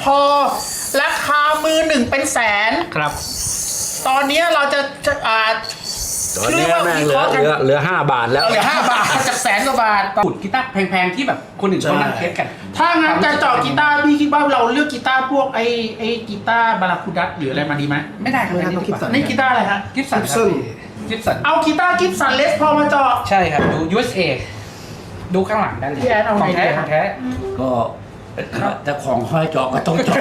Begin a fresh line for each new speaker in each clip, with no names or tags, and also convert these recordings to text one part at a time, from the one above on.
อราคามือหนึ่งเป็นแสน
ครับ
ตอนนี้เราจะ
ตอนนี้แม่งเหลือ5 บาทแล้ว
เหลือ5 บาทจากแสนกว่าบาท
ขุดกีตาร์แพงๆที่แบบคนอื่นเขานั่งเทสกัน
ถ้างั้นจะเจาะกีตาร์พี่คิดว่าเราเลือกกีตาร์พวกไอ้กีตาร์บาราคูดัสหรืออะไรมาดีไหม
ไม่ได้ครับ
ไม่ได้ต้อง
Gibson
นี่กีตาร์อะไรฮะ
กิฟสัน
Gibson
กิฟสัน
เอากีตาร์กิฟสันเลสพอมาเจาะ
ใช่ครับดู USA ดูข้างหลังได้เลย
พี่แอนเอา
ข
ไง
องแท้
ดี
ของแท้
ก็แต่ของห้อยเจาะก็ต้องเจาะ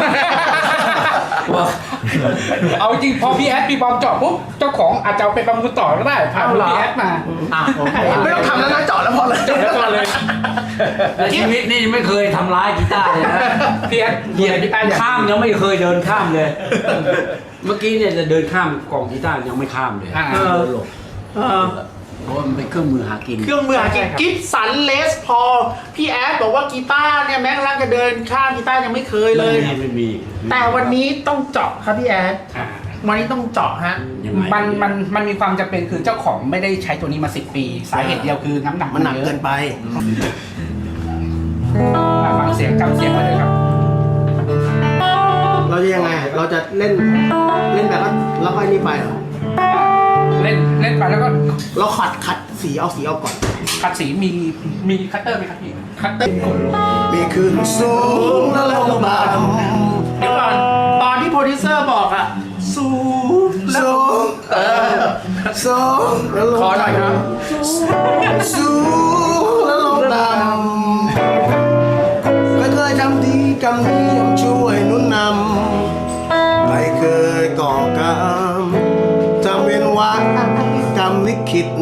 เอาจริงพอพี่แอดพี่บอมเจาะปุ๊บเจ้าของอาจจะเอาไปประมูลต่อก็ได้ผ่านพี่แอดมา
ไม่ต้องทำแล้วนะเจาะแล้วพอเลย
เจาะแล้วก่อนเลย
ในชีวิตนี่ไม่เคยทำร้ายกีตาร์เลยนะ
พี่แอด
เหยียบ
กีตาร์อย่าง
ข้ามยังไม่เคยเดินข้ามเลย เมื่อกี้เนี่ยจะเดินข้ามกล่องกีตาร์ยังไม่ข้ามเลยเดินหลบเพราะมันเป็นเครื่องมือหากิน
เครื่องมือหากินกิฟสันเลสพอพี่แอดบอกว่ากีตาร์เนี่ยแม้กระทั่งจะเดินข้ามกีตาร์ยังไม่เคยเลย
ไม่มี
แต่วันนี้ต้องเจาะครับพี่แอด
อ่า
วันนี้ต้องเจาะฮะ
ยังไง
มันมีความจำเป็นคือเจ้าของไม่ได้ใช้ตัวนี้มา10 ปี สาเหตุเดียวคือน้ำหนัก
มันหนัก
ยอะ
เกินไป
ฟังเสียงจำเสียงไว้เลยครับ
เราจะยังไง เราจะเล่นแบบว่าแล้วก็นี่ไปเหรอ
เล่นไปแล้วก็
เราขัดสีเอาสีออกก่อน
ขัดสีมีคัตเตอร์ไหมครับพี่คัตเตอร์กดลง
มีขึ้นสูงแล้วลงต่
เดี๋ยวก่อนตอนที่โปรดิวเซอร์บอกอะสูง
ำ
แล้ว
สูงสูงแล้วลง
ขอหน่อยครับ
สูงแล้วลงต่ำไม่เคยทำดีกรรมนี้ย่อมช่วยหนุนนำไม่เคยก่อกรรมทำเป็นว่ากรรมลิขิต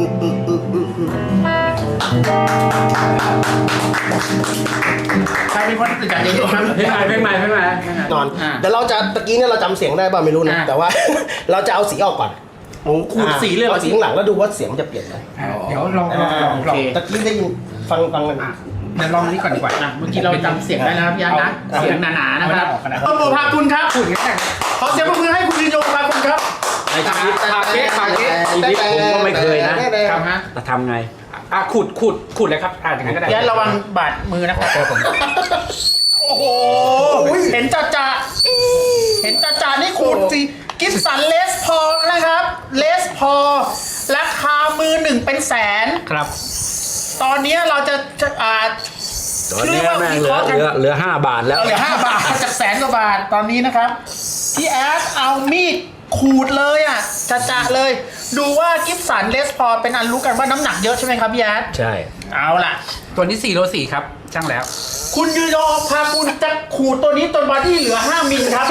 ใครเป็นคนตื่นจากเด็กครับ
เพลงใหม่
นอนเดี๋ยวเราจะตะกี้เนี่ยเราจำเสียงได้ป่ะไม่รู้นะ แต่ว่า เราจะเอาสีออกก่อน
โอ้ขูดสีเลยเหรอ
เอาสีข้างหลังแล้วดูว่าเสียงมันจะเปลี่ยนไหม
เดี๋ยวลอง
โอเคตะกี้ได้ยินฟังกัน
เดี๋ยวลองนี้ก่อนดีกว่า
เมื่อกี้เราจำเสียงได้นะครับพี่อาร์ตนะเสียงหนาๆนะครับ
เอาไม่ได้ออกกันนะ
ต้นโมพาคุณครับ
พูดอย่างนี้
ขอเสียงปรบมือให้คุณยืนโยพาคุณครับ
ในชีวิต
ฝากเก๊ฝากเก๊
ชีวิตผมก็ไม่เคยนะ
ครับฮะ
แต่ทำไง
ขูดเลยครับอย่างนั้นก็ได้
พี่อาร์ตระวังบาดมือนะครับผม โอ้โห เห็นจ่าเห็นจ่านี่ขูดสิกิฟสันเลสพอนะครับ เลสพอราคามือหนึ่งเป็นแสน
ครับ
ตอนนี้เราจะ
ตอนนี้แม่งเหลือ5 บาทแล้ว
เหลือ5 บาทจากแสนกว่าบาทตอนนี้นะครับพี่แอดเอามีดขูดเลยอ่ะจะเลย ดูว่ากิฟสันเลสพอเป็นอันรู้กันว่าน้ำหนักเยอะใช่ไหมครับพี่แอด
ใช่
เอาล่ะ
ตัวนี้4 โล 4ครับช่างแล้ว
คุณยืนยอพาคุณจะขูดตัวนี้จนบอดี้เหลือ5 มิลครับ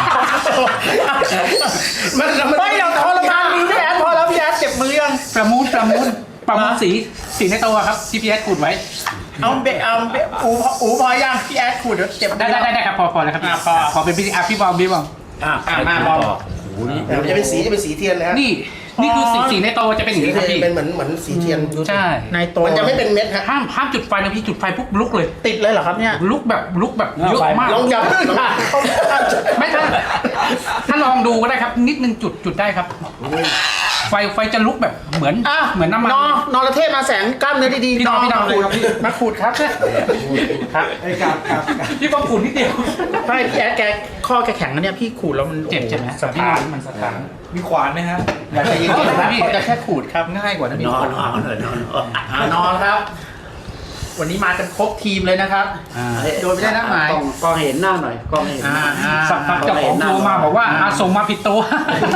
ไม่เราทรมานมือพี่แอดพอแล้วพี่แอดเจ็บมือยัง
ประมูลสีในตัวครับที่พี่แอดขูดไว้
เอาเบะอูพอยังพี่แอดขูดเดี๋ยวเจ็บ
ได้ครับพอแล้วครับพอเป็นพี่บอม
มาบอล
โอ้โหนี่
มันจะเป็นสีเทียนเลยฮะ
นี่คือสีในตัวจะเป็นอย่างนี้ครับพี่
เป็นเหมือนสีเทียน
ใช่
ในตัว
มันจะไม่เป็นเม็ดฮะ
ห้ามจุดไฟนะพี่จุดไฟปุ๊บลุกเลย
ติดเลยเหรอครับเนี่ย
ลุกแบบเยอะมาก
ลองยับขึ้น
ไม่ถ้าลองดูก็ได้ครับนิดนึงจุดได้ครับ ไฟจะลุกแบบเหมือนน้ำมัน
นอนระเทศมาแสงกล้ามเนื้อดีๆ
พี่นอนเลยครับพี่
มาขูดครับครับ
พี่บอมขูดนิดเดียว
ไม่พี่แอดแกข้อแกแข็งนะเนี่ยพี่ขูดแล้วมัน
เจ็บใช่ไหม
สะท้าน
มันสะท้าน
มีขวานไหมฮะ
อย่าใจเย็นๆนะพี่จะแค่ขูดครับ
ง่ายกว่านะพี่
นอน
นอนครับ วันนี้มากันครบทีมเลยนะครับ โดยไม่ได้นัดหมาย
กล้องเห็นหน้าหน่อยกล้องเห็นหน้า
สักพักเจ้าของโทรมาบอกว่าส่งมาผิดตัว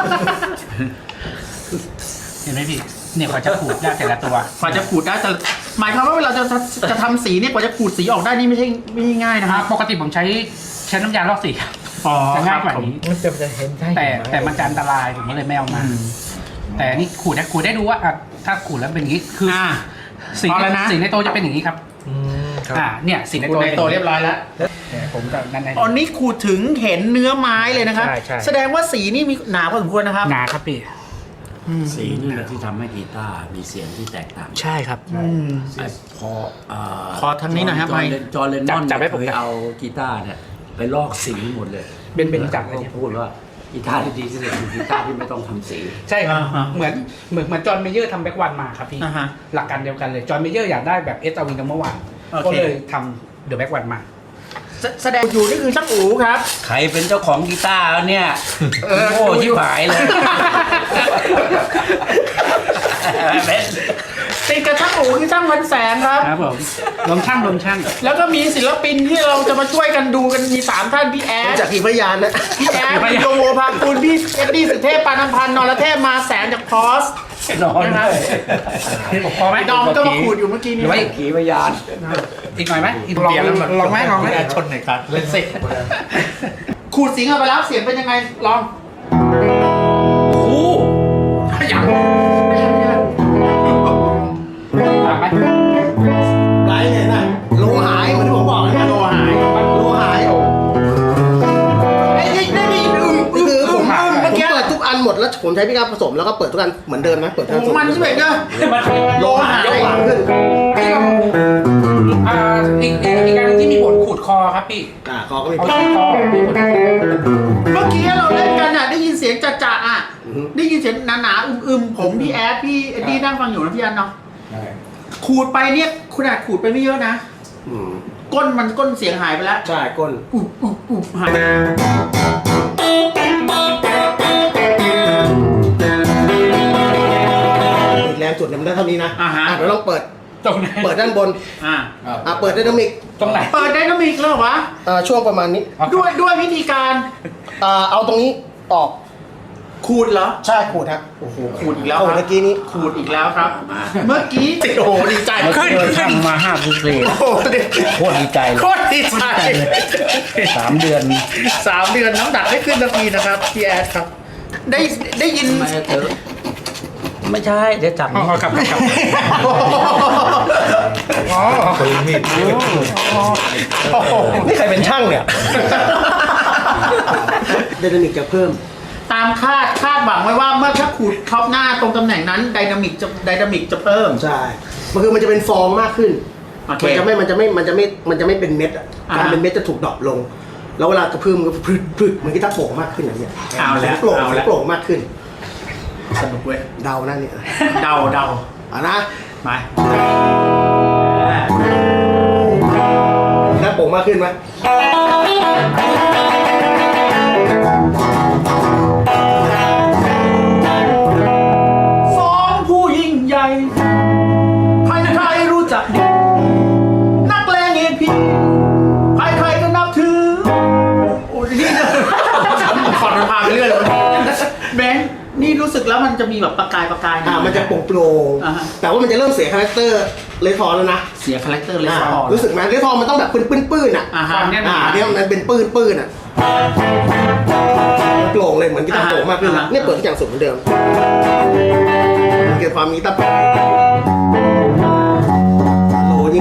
เห็นไหมพี่เนี่ยกว่าจะขูดได้แต่ละตัว
กว่าจะขูดได้แต่หมายความว่าเวลาจะทำสีเนี่ยกว่าจะขูดสีออกได้นี่ไม่ใช่ง่ายนะครับ
ปกติผมใช้น้ำยาลอกสีครับ จะง่ายกว่านี้
มันจะเห็นได้
แต่มันจะอันตรายผมก็เลยไม่เอามา แต่นี่ขูดได้ดูว่าถ้าขูดแล้วเป็นอย่างนี้คือสีในตัวจะเป็นอย่างนี้ครับเนี่ยสีใน
ขูด
ตัว
ในตัวเรียบร้อยแล้ว
ผมกับนั่นใน
ตอนนี้ขูดถึงเห็นเนื้อไม้เลยนะครับ
ใช่
แสดงว่าสีนี่มีหนาพอสมควรนะครับ
หนาครับพี่
สีนี่แหละที่ทำให้กีตาร์มีเสียงที่แตกต่าง
ใช่ครับ
ขอทางนี้หน่อยครับ
จอร์เลนนอน
จับให้ผม
เคยเอากีตาร์เนี่ยไปลอกสีหมดเลย
เป็นจับเลย
เขา
เนี่ย
พูดว่ากีตาร์ที่ดีที่สุดคือกีตาร์ที่ไม่ต้องทำสี
ใช่ครับ
อ่าฮะ
เหมือนจอห์นเมเยอร์ทำแบ็กวันมาครับพี่
อ่าฮะ
หลักการเดียวกันเลยจอห์นเมเยอร์อยากได้แบบเอสอาวินมาเมื่อวาน
โอเค
ก็เลยทำเดอะแบ็กวันมา
แสดงอยู่นี่คือช่างอูครับ
ใครเป็นเจ้าของกีตาร์เนี่ยโง่ชิบหายเลย
ติดกับช่างอูคือช่างวันแสงครับ
ครับผมลมช่างลมช่าง
แล้วก็มีศิลปินที่เราจะมาช่วยกันดูกันมี3ท่านพี่แอด
จากกี่พยานนะ
พี่แอดพี่โยโวภาคูณพี่เอ็ดดี้สุเทพปานพันธ์นรเทพมาแสนจากพอส
นอน
นะครับ
พอไหม
ดอมก็มาขูดอยู่เมื่อกี้นี้
ไม่ขี่พยาน
อีกหน่อยไหมอีก
ลองไหมชนหน่อยครับเล่นสิขูดเสียงเอาไปแล้วเสียงเป็นยังไงลอง
โอ้โห
อย่าง
ต่างไหม
ไรเนี่ยนะโลหายเหมือนที่ผมบอกนะ
โลหาย
โลหาย
ไอ้นี่
คือผม
เมื่อกี้
เปิดทุกอันหมดแล้วผมใช้พี่กาผสมแล้วก็เปิดทุกอันเหมือนเดิมนะเปิดทุกอัน
มันใช่ไหมเนอะ
โลหายหวานขึ้น
อีกการหนึงที่มีผลขูดคอครับพี่
คอก็มี
เอาขูดคอมีผล
เมื่อกี้เราเล่นกันอ่ะได้ยินเสียงจ่าๆอ่ะได้ยินเสียงหนาๆอึมๆผมพี่แอดพี่เอ็ดดี้นั่งฟังอยู่นะพี่อันเนาะขูดไปเนี่ยขนาดขูดไปไม่เยอะนะก้นเสียงหายไปแล้ว
ใช่ก้น
อุบหาย
อีกแรงสุดเนี่ยมันได้เท่านี้นะเดี๋ยวลองเปิด
ตรงไหน
เปิดด้านบน เปิดไดนามิก
ตรงไหน
เปิดไดนามิกแล้วเหรอวะ
ช่วงประมาณนี้
ด้วยวิธีการ
เอาตรงนี้ออก
ขูดเหรอ
ใช่ขูดครับ
โอ้โหขูดอีกแล้ว
โอ้
ครับ
เมื่อกี้นี้
ขูดอีกแล้วครับ เมื่อกี้ติดโอ้โหดีใจ
เมื่อกี้เราทำมา5ฟุตเลย
โอ้โห
โคตรดีใจเลย
โคตรดีใจ
3 เดือน
3 เดือนน้ำหนักไม่ขึ้นสักทีนะครับพี่แอดครับ ได้ยิน
ไม่ใช่เดี๋ยวจับ
ครับ
คนมีดนี่ใครเป็นช่างเนี่ยไดนามิกจะเพิ่ม
ตามคาดหวังไว้ว่าเมื่อถ้าขูดท็อปหน้าตรงตำแหน่งนั้นไดนามิกจะเพิ่ม
ใช่มันคือมันจะเป็นฟองมากขึ้น
โอเค
มันจะไม่เป็นเม็ดอ่ะการเป็นเม็ดจะถูกดรอปลง แล้วเวลากระเพื่อมก็พรึดมันก็จะโปร่งมากขึ้นอย่างเงี้ย
เอาแล้ว
โปร่ง
เอาแล้ว
โปร่งมากขึ้น
สนุกเว้ย
เดานะเนี่ย
เดา
นะ
มา
หน้าโปร่งมากขึ้นไหม
สองผู้ยิ่งใหญ่ใครๆรู้จักดีนักเลงเองพี่ใครๆก็นับถือโอ้ยนี่ขอดมันพาไปเรื่อยเลยแบงค์นี่รู้สึกแล้วมันจะมีแบบประกาย
มันจะโปร่ง
อ่าฮะ
แต่ว่ามันจะเริ่มเสียคาแรคเตอร์เลทอนแล้วนะ
เสียคาแรคเตอร์เลยสะอ่อน
รู้สึกไหมเลทอนมันต้องแบบปื้นๆอ่ะ
ฮะ
เนี่ยมันเป็นปื้นอ่ะโปร่งเลยเหมือนกีตาร์โปร่งมากขึ้น
อ่าฮะ
เนี่ยเปิดทุกอย่างสุดเหมือนเดิมเกิดความมีตาโลยิ่ง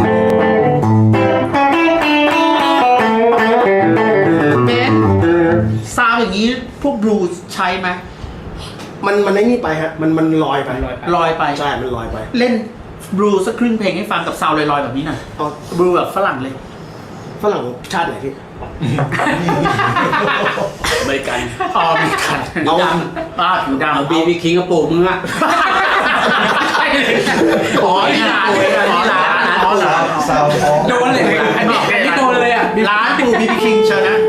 เบนซาวอย่างนี้พวกบลูส์ใช้ไหม
มันไม่นี่ไปฮะมันลอยไป
ลอยไป
ใช่มันลอยไป
เล่นบลูสักครึ่งเพลงให้ฟังกับซาวลอยๆแบบนี้หน่อย
เอา
บลูแบบฝรั่งเลย
ฝรั่งชาติไหนพี่
อเมริกัน
อ๋อมีกัน
เอา
ผิวดำ
เอาบีบีคิงกระปุกมึงอะ
อ๋อนี่ร้านอ๋อเหรอ
โดนเลยอันนี้โดนเลยอ่ะ
ร้านปูบีบีคิงเชิญนะ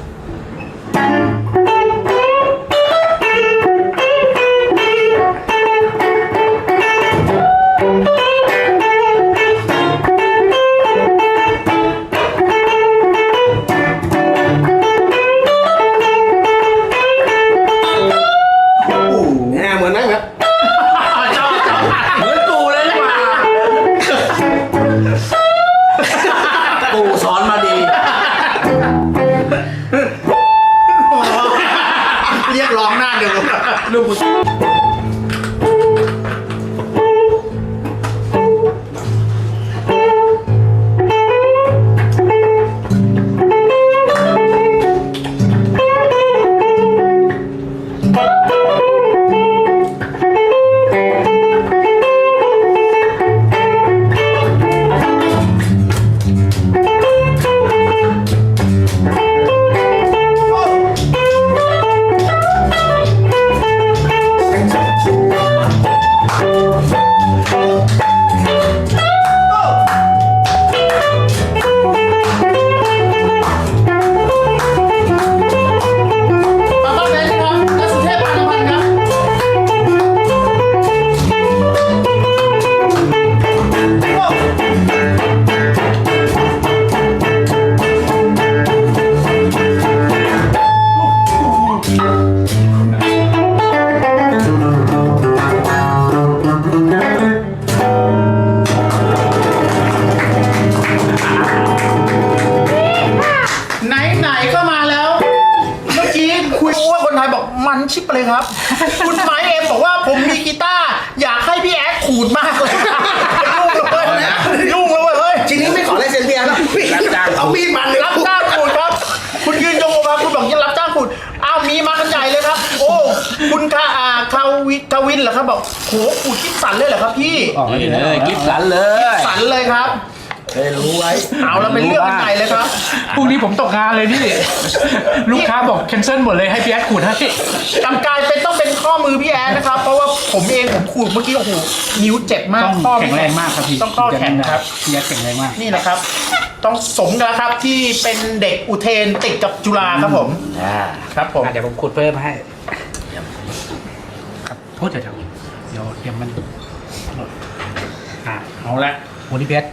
เหมือนนั่งครับ
เหมือนปูเลยนะปูสอนมาดี
เรียกร้องหน้าเดียวลูกชิปเลยครับ คุณไม้เอ็มบอกว่าผมมีกีตาร์อยากให้พี่แอดขูดมากเลยยุ่งเลยเฮ้ย
ทีนี้ไม่ขอลายเซ็นเบียร์แล้วเอามีดมันเลย
รับจ้างขูดครับ คุณยืนยงออกมาคุณบอกจะรับจ้างขูดอ้าวมีมากันใหญ่เลยครับ โอ้คุณคาวินเหรอครับบอกโหขูดกิฟสันเลยเหรอครับพี่
นี่เลยกิฟสันเลย
สันเลยครับ
รู้ไว้
เอาแล้วเป็นเรื่องกันใหญ่เลยครับ
พรุ่งนี้ผมตกงานเลยพี่ ลูกค้าบอกแคนเซิลหมดเลยให้พี่แอดขูดให้
กำกายเป็นต้องเป็นข้อมือพี่แอดนะครับ เพราะว่าผมเองผมขูดเมื่อกี้โอ้โหนิ้วเจ็บมาก
ต้อง
ข้อ
แข็งแรงมากครับพี่
ต้องข้อแข็งครับ
พี่แอดแข็งแรงมาก
นี่แหละครับ ต้องสมกันแล้วครับที่เป็นเด็กอุเทนติดกับจุฬาครับผมครับผม
เดี๋ยวผมขูดเพิ่มให้ครับโทษเดี๋ยวมันเอาละโอ้นี่พี่แอด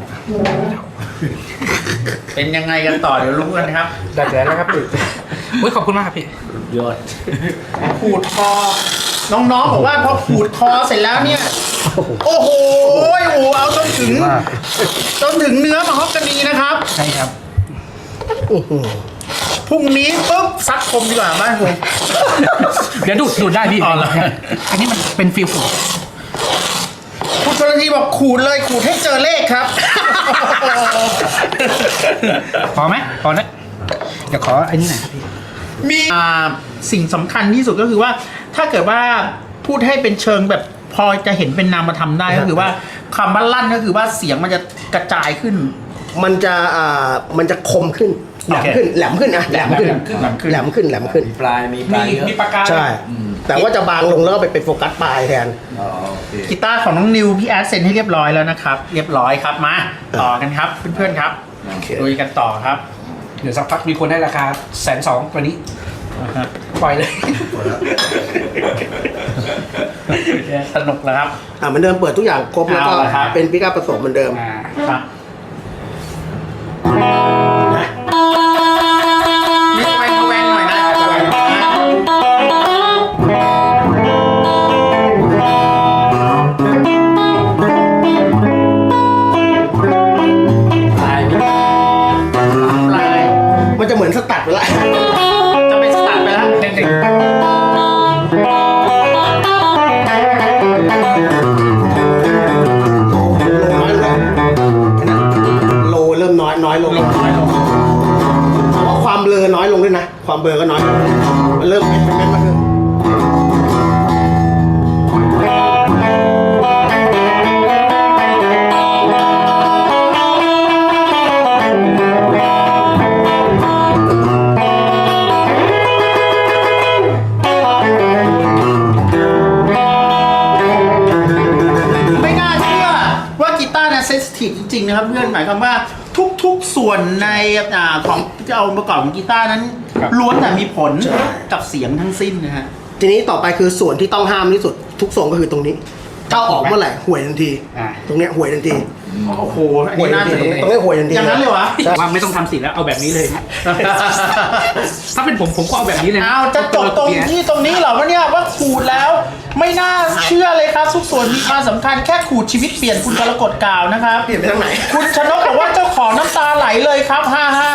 เป็นยังไงกันต่อเดี๋ยวรู้กันครับ
ได้แล้วครับพี่อุ้ยขอบคุณมากครับพี่
ยอด
ขูดคอ น้องๆบอกว่าพอขูดคอเสร็จแล้วเนี่ย โอ้โหเอาจนถึงเนื้อมาฮอกกานีนะครับ
ใช่ครับ
พรุ่งนี้ปุ๊บซัดคมดีกว่าบ้านผม
เดี๋ยวดูดได้พี่
อ๋อเหรอ
อันนี้มันเป็นฟิลขูด
คุณชลทีบอกขูดเลยขูดให้เจอเลขครับ
พอไหมพอนะเดี๋ยวขออันนี้หน่อยครับพี่
มีสิ่งสำคัญที่สุดก็คือว่า ถ้าเกิดว่าพูดให้เป็นเชิงแบบพอจะเห็นเป็นนามธรรมได้ก็คือว่าคำว่าลั่นก็คือว่าเสียงมันจะกระจายขึ้น
มันจะคมขึ้นแหลมขึ้นแหลมขึ้นอะแหลมขึ้นแหลมขึ้น
มีปลายเยอะ
มีปากกา
ใช่ แต่ว่าจะบางลงแล้วก็ไปเป็นโฟกัสปลายแทน
อ๋อโอเค
กีตาร์ของน้องนิวพี่แอดเซ็นให้เรียบร้อยแล้วนะครับ เรียบร้อยครับมาต่อกันครับเพื่อนๆครับ
โอเค
ลุยกันต่อครับ
เดี๋ยวสักพักมีคนให้ราคา120,000ตัวนี้ปล่อยเลย
สนุกแล้วครับ
เหมือนเดิมเปิดทุกอย่างครบแล้วก็
เอาละครับ
เป็นปิกอัพผสมเหมือนเดิม
ครับมีแวงหน่อยนะแวงหน่อยนะ
ปลายมี
ปลาย
มันจะเหมือนสตัดไปละ
จะไปสตาร์ทไปแล้วเด็ก
โลเริ่มน้อยลงเพราะว่าความเบลอน้อยลงด้วยนะ ความเบลอก็น้อยลงมันเริ่มเป็นเม็ดมากขึ้น
ไม่น่าเชื่อว่ากีตาร์เนี่ยเซนซิทีฟจริงๆนะครับเพื่อนหมายความว่าทุกๆส่วนในของที่จะเอาประกอบของกีตาร์นั้น ล้วนแต่มีผลกับเสียงทั้งสิ้นนะฮะ
ทีนี้ต่อไปคือส่วนที่ต้องห้ามที่สุดทุกทรงก็คือตรงนี้ถ้าออกเมื่อไหร่ห่วยทันที ตรงเนี้ยห่วยทันที
โอ้โหอัน
ห่วย
นี้
ทั
น่าน
ที
สนใจ
ตรงเนี้ยห่วยทันที
อย่างนั้นเลยวะ
ว่าไม่ต้องทำสีแล้วเอาแบบนี้เลย ถ้าเป็นผมก็เอาแบบนี้เลยนะ
เอาจะจบตรงที่ตรงนี้เหรอวะเนี่ยว่าขูดแล้วไม่น่าเชื่อเลยครับทุกส่วนมีความสำคัญแค่ขูดชีวิตเปลี่ยนคุณกรกฎกล่าวนะครับ
เปลี่ยนไปทางไหน
คุณชนกบอกว่าเจ้าของน้ำตาไหลเลยครับ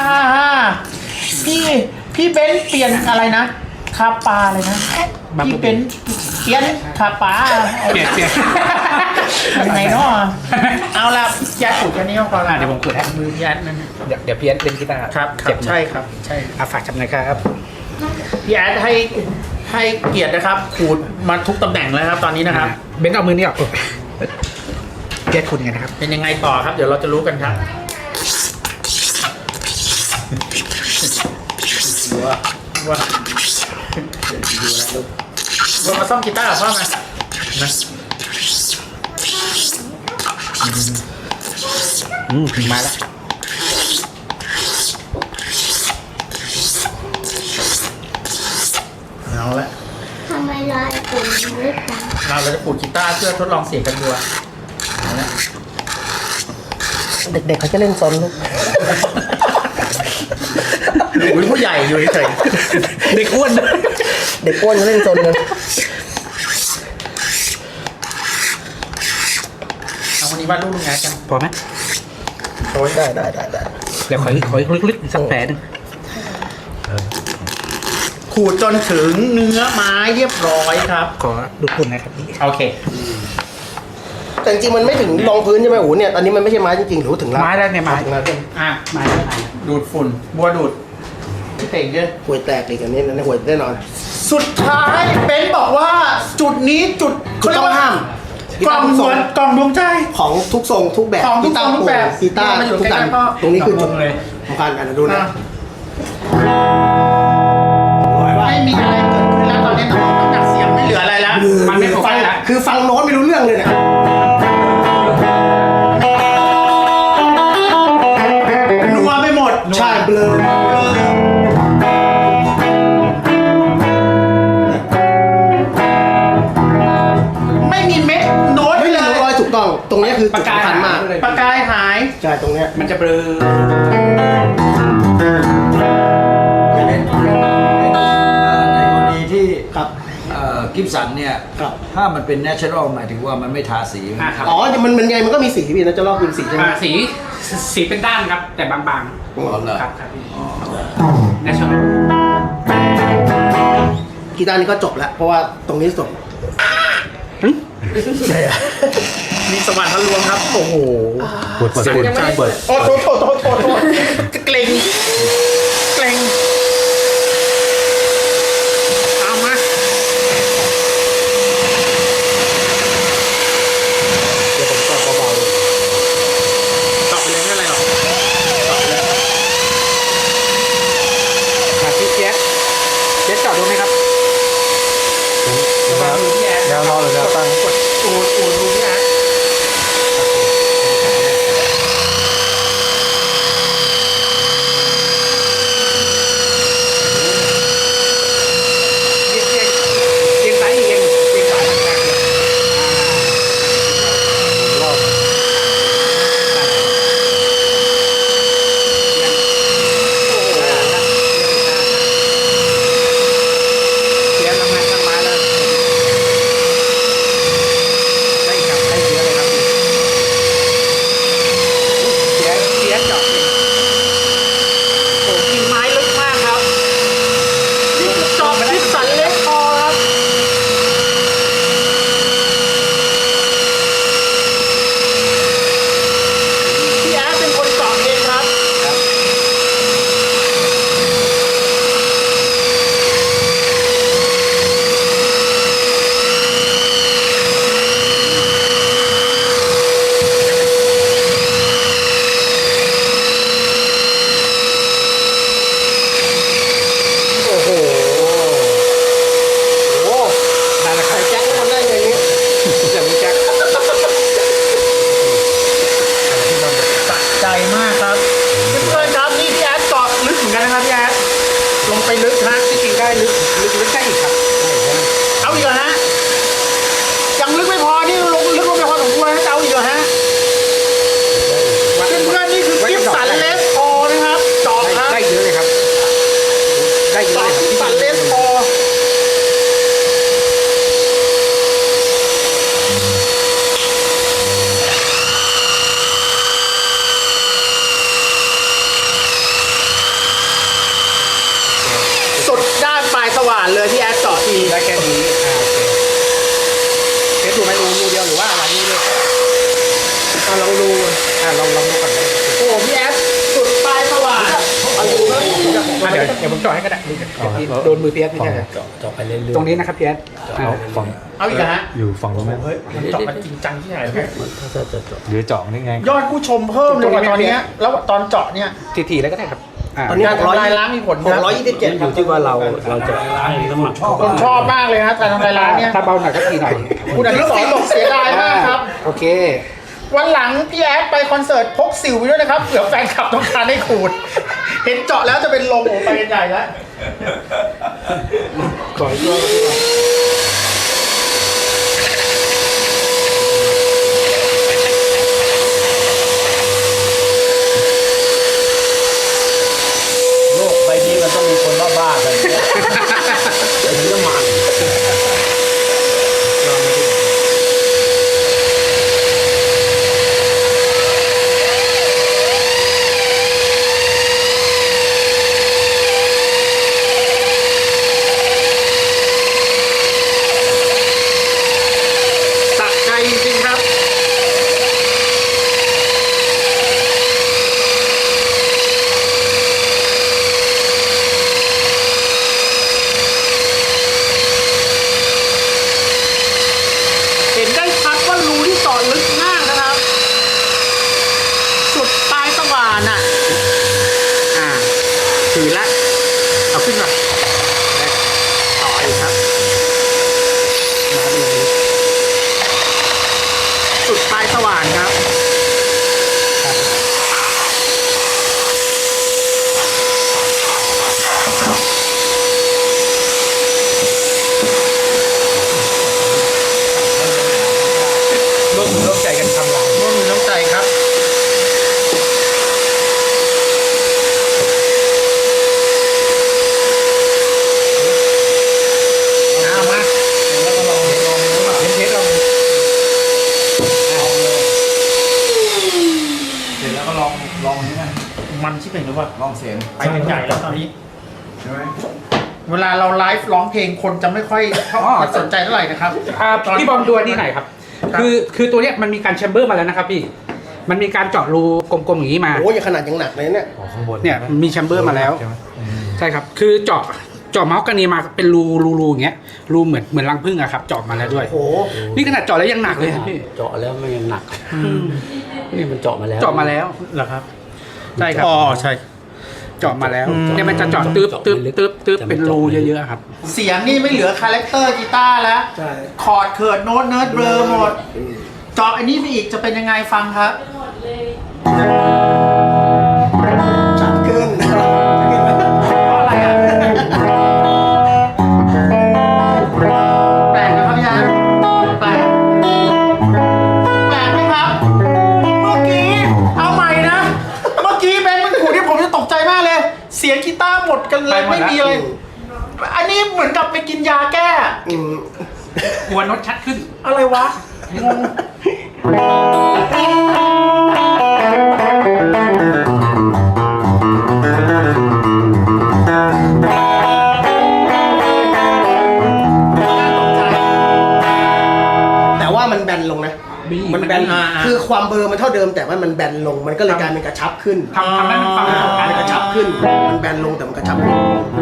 พี่เบนซ์เปลี่ยนอะไรนะคาปาเลยนะพี่เบนซ์เปลี่ยนคาปา
เปลี่ยน
ยังไงเนาะเอาละยัดขูดแค่นี้ก็พอละ
เดี๋ยวผมขูดให้
มือยัดนั่น
เดี๋ยวพี่แอดเล่นกีตาร์
ครับ
เจ็บ
ใช่ครับใช่
ฝากจับหน่อยครับ
พี่แอดให้เกียรตินะครับขูดมาทุกตำแหน่งแล้วครับตอนนี้นะครับ
เบนซ์เอามือนี่ออกพี่แอดขูดยังไงนะครับ
เป็นยังไงต่อครับ เดี๋ยวเราจะรู้กันครับว่ามาซ่อมกีตาร์กับพ่อมานะ
มาแล้ว
เอาละ
ทำไมลายผมเล็กจัง
เราจะขูดกีตาร์เพื่อทดลองเสียงกันดูเอาละ
เด็กๆเขาจะเล่นซนลูก
อุ้ยผู้ใหญ่อยู่เฉย
เด็กอ้วน
เด็กอ้วนเขาเล่นซนกัน
เอาวันนี้วาดรูปลุงแอดกัน
พอไหม
โอ้ย
ได้
เดี๋ยวขอลึกๆสักแผลหนึง
ขขูดจนถึงเนื้อไม้เรียบร้อยครับ
ขอดูดฝุ่นนะครับพี่
โอเค
แต่จริงๆมันไม่ถึงรองพื้นใช่ไหมโอ้โหเนี่ยตอนนี้มันไม่ใช่ไม้จริงๆหรือว่าถึงแล้ว
ไม้ได้เนี่ยไม้
ถึงแล้วใช่ไหม
อ่ะ
ไม้ได้ไม้
ดูดฝุ่นบัวดูดพี่เต่งเยอะ
ห่วยแตกอีกอันนี้นะห่วยแน่นอน
สุดท้ายเบนซ์บอกว่าจุดนี้จุด
จุดต้องห้าม
กล่องเหมือนกล่องดวงใจ
ของทุกทรงทุกแบบ
ของทุกทรงทุกแบบ
กีตาร์
มาอยู่
ทุกอัน
ใกล้ๆพ่อ
ตรงนี้คือจุด
เลย
สำคัญอันนั้นดูนะ
ไม่มีอะไรเกิดขึ้นแล้วตอนนี้น้ำหนักเสียงไม่เหลืออะไรแล้ว
มันไม่โฟกัสแล้ว
คือฟังโน้ตไม่รู้เรื่องเลยเนี่ย
นัวไปหมด
ใช่เบลอ
ไม่มีเม็ดโน้ต
ไม่
เล
มี
ย
โน้ตร้อยถูกต้อง ตรงนี้คือจุดสำคัญมาก
ปากกายหาย
ใช่ตรงเนี้ย
มันจะเบลอ
ในกรณีที่
ครับ
กิฟสันเนี่ย
ครับ
ถ้ามันเป็น natural หมายถึงว่ามันไม่ทาสี
ครับ
อ๋อมันไงมันก็มีสีพี่นะจะลอกเป็นสีใช่ไหม
สีเป็นด้านครับ แต่บาง
อ๋อเหรอ
ๆครับพี่ natural
กีตาร์นี้ก็จบแล้วเพราะว่าตรงนี้สด
มีสวรรค์ทะลวงครับ โอ้โห
เสียงยังไม่ได้เปิด
โอ้โทษเกรงเอามาเดี๋ยวผมตอบเบาๆตอบไปเลยไม่เป็นไรหรอกตอบเลย
พี่เจสจอดดูไหมครับระวังมือพี่แอด
แนวนอนหรือแนวตั้ง
กดอูดดูพี่แอดเอียงซ้ายเอียงซ้ายต่างๆรอบเสียงทำงานทางไม้แล้วได้ครับได้เยอะเลยครับเสียจอด
โอ้กินไม้ลึกมากครับ นี่คือจอบที่สันเล็กพอครับ พี่แอดเป็นคนเจาะเองครับ
โอ้โหโอ้โห
นั่นแหละค
ใส่
รับ
แจ็คมันได้ไงนี้
เสียงแจ็ค
สะใจมากครับเพื่อนๆครับนี่พี่แอดเจาะลึกเหมือนกันนะครับพี่แอดลงไปลึกฮะ
จริงๆได้ลึกได้อีกครับ
เอาอีกเหรอฮะยังลึกไม่พอนี่ลงลึกลงไปพอสมควรนะจะเอาอีกเหรอฮะเพื่อนๆนี่คือกิฟสันเลสพอนะครับเจาะครับ
ได้เยอะเลยครับ ได้เยอะ
เจาะ
เลยครับ
กิฟสันเลสพอสุดด้านปลายสว่านเลยพี่แอดเจาะที
ได้แค่นี้โอเคเทสดูไหมรูเดียวหรือว่าอะไรนี่เลย
เอาลองดู
ลองดูก่อนก็ได้ครับ
โอ้โหพี่แอดสุดปลายสว่านเอาดูครับ
เดี๋ยวผมจ่อให้ก็ได้โดนมือเพียสไม่ใช่เหรอ
เจาะไปเรื่อยๆ
ตรงนี้นะครับเพียส
เอาฝั่ง
เอาอีกเหรอฮะ
อยู่ฝั่งนู้นไหม
มันเจาะมันจริงจังที่ไหน
หรือเจาะนี่ไง
ยอดผู้ชมเพิ่มเลยกว่าตอนเนี้ยแล้วตอนเจาะเนี่ย
ทีๆแล้วก็ได้ครับ
ตอนนี้
การทำลายล้างมีผลครับ
627
อยู่ที่ว่าเราจะชอบ
ผมชอบมากเลยนะการทำลายล้างเนี่ย
ถ้าเบาหน่อยก็ทีหน่อย
คุณอนุสรณ์บอกเสียดายมากครับ
โอเค
วันหลังพี่แอดไปคอนเสิร์ตพกสิวไปด้วยนะครับเผื่อแฟนคลับต้องการให้ขูด เห็นเจาะแล้วจะเป็นลมโอ้ไปกันใหญ่แล้ว
ขออีกรอบ
โลกใบนี้มันต้องมีคนบ้าๆกันถึงจะมัน
มันชิบเป็นหรือเปล่า
ลองเสียง
ไปเป็นใหญ่แล้วตอนนี้
ใช่ไหม
เวลาเราไลฟ์ร้องเพลงคนจะไม่ค่อยสนใจเท่าไหร่นะครับ
พี่บอมดูอันนี่ไหนอยครับ คือตัวเนี้ยมันมีการแชมเบอร์มาแล้วนะครับพี่ มันมีการเจาะรูกลมๆอย่างนี้มา
โอ้ยยังขนาดยังหนักเลยเนี่ย
อ๋อข้างบน
เนี่ยมีแชมเบอร์มาแล้ว
ใช่ไหม
ใช่ครับ คือเจาะเมาส์กันนีมาเป็นรูอย่างเงี้ย รูเหมือนรังผึ้งอะครับ เจาะมาแล้วด้วย
โอ้โห
นี่ขนาดเจาะแล้วยังหนักเลยครับพี่
เจาะแล้วมันยังหนักนี่มันเจาะมาแล้ว
เจาะมาแล้ว
เหรอครับ
ใช่ครับ
อ๋อใช่
เจาะมาแล้วเนี่ยมันจะเจาะตึ๊บเป็นรูเยอะๆครับ
เสียงนี่ไม่เหลือคาแรคเตอร์กีตาร์แล้ว
ใช่
คอร์ดเขิร์ดโน้ตเนิร์ดเบลอหมด เจาะอันนี้ไปอีกจะเป็นยังไงฟังครับ
ชัดขึ้น
เพราะอะไรอ่ะ แปลกนะครับพี่ฮะแปลกไหมครับ เมื่อกี้ เอาใหม่นะ เมื่อกี้เป็นมันขู่ที่ผมจะตกใจมากเลย เสียงกีตาร์หมดกันเลย
ไปหมด
ไม่
แล้ว
มีอะไร อันนี้เหมือนกับไปกินยาแก้
อืม
หัวโน้ตชัดขึ้น
อะไรวะ งง
แต่ว่ามันแบนลงนะ มันแบน คือความเบลอร์มันเท่าเดิมแต่ว่ามันแบนลง มันก็เลยกลายเป็นกระชับขึ้น
ทำให้มันฟังเหมือนกัน
มันกระชับขึ้น มันแบนลงแต่มันกระชับขึ้น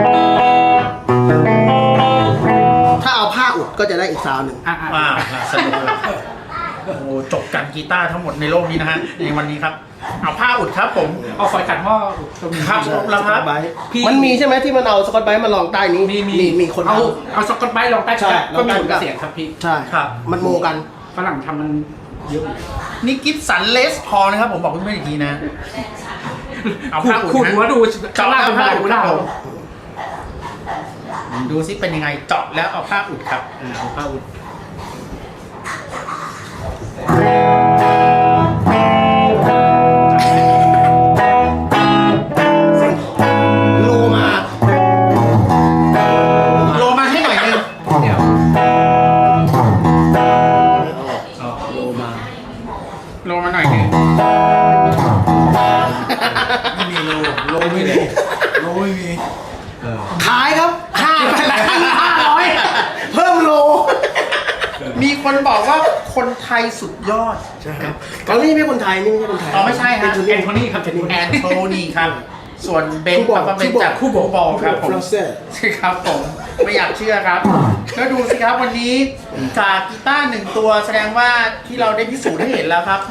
ถ้าเอาผ้าอุดก็จะได้อีกซาวด์หนึ่ง
อ่า
ว้าวสนุกเลยโอ้โหจบกันกีตาร์ทั้งหมดในโลกนี้นะฮะ ในวันนี้ครับ เอาผ้าอุดครับผม
เอาฝอยขัดหม้อตรงนี้
ครับแล้วครับ
มันมีใช่ไหมที่มันเอาสกอตไบรท์มาลองใต้นี้ มีคน
เอาสกอตไบรท์ลองใต้
ใช่
ก็มี
ลองใต้
ผลกับเสียงครับพี่
ใช่
ครับ
มันโมกัน
ฝรั่งทำมันเยอะ
นี่กิฟสันเลสพอนะครับ ผมบอกเพื่อนๆอีกทีนะ เอาผ้าอุด
ขูดหัว
นะ
ดูข้างล่างเป็นผ้าอุด
ค
แล้
รับ
ว
ผมดูซิเป็นยังไงเจาะแล้วเอาผ้าอุดครับเอาผ้าอุด
โลมา
โลมาให้หน่อยนึง
โลมา
โลมาหน่อยนึง
ไม่มีโลไม่มี ขายครับ500 เพิ่มโล
มีคนบอกว่าคนไทยสุดยอด
ใช่ครับตอนนี้ไม่ใช่คนไทย นี่ไม่ใช่คนไทย
อ๋อไม่ใช่ฮะ
แอนโทนีครับ
แอนโทนีครับ ส่วนเบน
คู่บอล
ครับเป็นจากคู่บอลครับผม
ฟรานเศส
ครับผมไม่อยากเชื่อครับแล้วดูสิครับวันนี้กากกีตาร์1 ตัวแสดงว่าที่เราได้พิสูจน์ให้เห็นแล้วครับ